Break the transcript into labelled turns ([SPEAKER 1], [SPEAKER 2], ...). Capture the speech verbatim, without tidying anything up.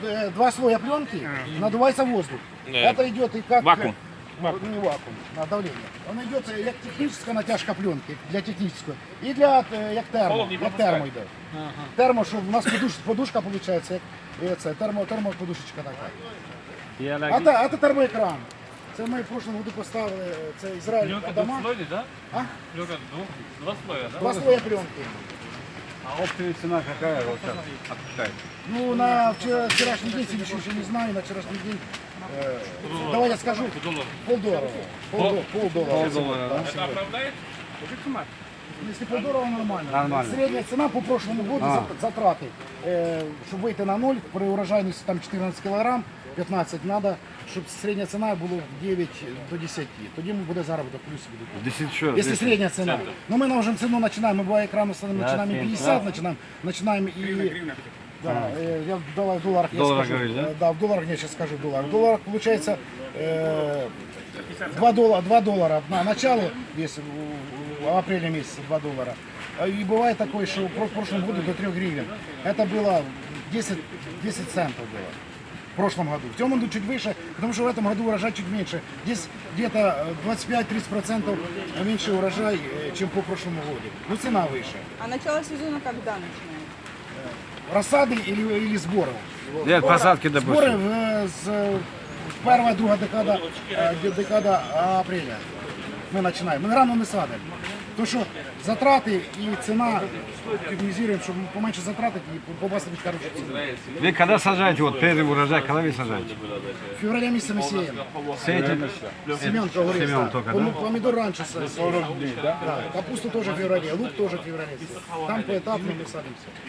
[SPEAKER 1] Э, Два слоя пленки, надувается воздух.
[SPEAKER 2] Нет.
[SPEAKER 1] Это идет и как...
[SPEAKER 2] Вакуум.
[SPEAKER 1] Не вакуум, а давление. Он идет як техническая натяжка пленки, для технической, и для э, як термо, як термо йде. Термо, що у нас подуш, подушка получается, як це, термо, термоподушечка така. А це, а це термоекран. Це ми в прошлому году поставили, це Ізраїль
[SPEAKER 3] Пленка
[SPEAKER 1] Адама.
[SPEAKER 3] двухслойный, да?
[SPEAKER 1] А?
[SPEAKER 3] Пленка двух, два слоя, да?
[SPEAKER 1] Два слоя пленки.
[SPEAKER 4] А оптовая цена какая вот сейчас отпускает?
[SPEAKER 1] Ну, на вчера, вчерашний день, сегодня еще не знаю, на вчерашний день, э, давай я скажу,
[SPEAKER 3] Доллар.
[SPEAKER 1] полдоллара. Полдоллара. Полдоллара.
[SPEAKER 4] Полдоллара, да?
[SPEAKER 3] Это оправдает?
[SPEAKER 1] Если полдоллара, нормально.
[SPEAKER 4] Нормально.
[SPEAKER 1] Средняя цена по прошлому году,
[SPEAKER 4] А.
[SPEAKER 1] за- затраты, э, чтобы выйти на ноль, при урожайности там чотирнадцять килограмм, пятнадцать, надо, чтобы средняя цена была девять до десяти. Тоді ми буде заробіток плюс буде.
[SPEAKER 4] Десять что?
[SPEAKER 1] Если средняя цена. Но мы на цену начинаем, мы бывает экран ставим,
[SPEAKER 4] Да,
[SPEAKER 1] начинаем и
[SPEAKER 4] семь,
[SPEAKER 1] пятьдесят,
[SPEAKER 4] да.
[SPEAKER 1] начинаем, начинаем и... Да, э, я в доллар- в долларах я
[SPEAKER 4] Долларах
[SPEAKER 1] скажу.
[SPEAKER 4] говоришь, да?
[SPEAKER 1] Э, Да, в долларах я сейчас скажу в долларах. В долларах получается э, два доллара, два доллара на начало, если в- в апреле месяце два доллара. А И бывает такое, что в прошлом году до трех гривен. Это было десять, десять центов было. В прошлом году. В том году чуть выше, потому что в этом году урожай чуть меньше. Здесь где-то э, двадцать пять - тридцать процентов меньше урожай, э, чем по прошлому году. Но цена выше.
[SPEAKER 5] А начало сезона когда начинается?
[SPEAKER 1] Рассады или, или сборы?
[SPEAKER 4] Нет, посадки,
[SPEAKER 1] Сборы
[SPEAKER 4] допустим.
[SPEAKER 1] в, э, с э, первая, друга декада, э, де- декада апреля мы начинаем. Мы рано не садим. Тому що затрати і ціна оптимізуємо, щоб поменше затрати і попасти під хорошу ціну.
[SPEAKER 4] Вы когда сажаете, вот первый урожай, когда вы сажаете?
[SPEAKER 1] В феврале місяці ми сіємо.
[SPEAKER 4] Сеете?
[SPEAKER 1] Семенка говорит,
[SPEAKER 4] Семен
[SPEAKER 1] да.
[SPEAKER 4] только,
[SPEAKER 1] Пом-
[SPEAKER 4] да?
[SPEAKER 1] Помидор раньше садим. Да, капусту тоже в феврале, лук тоже в феврале. Там поэтапно мы садимся.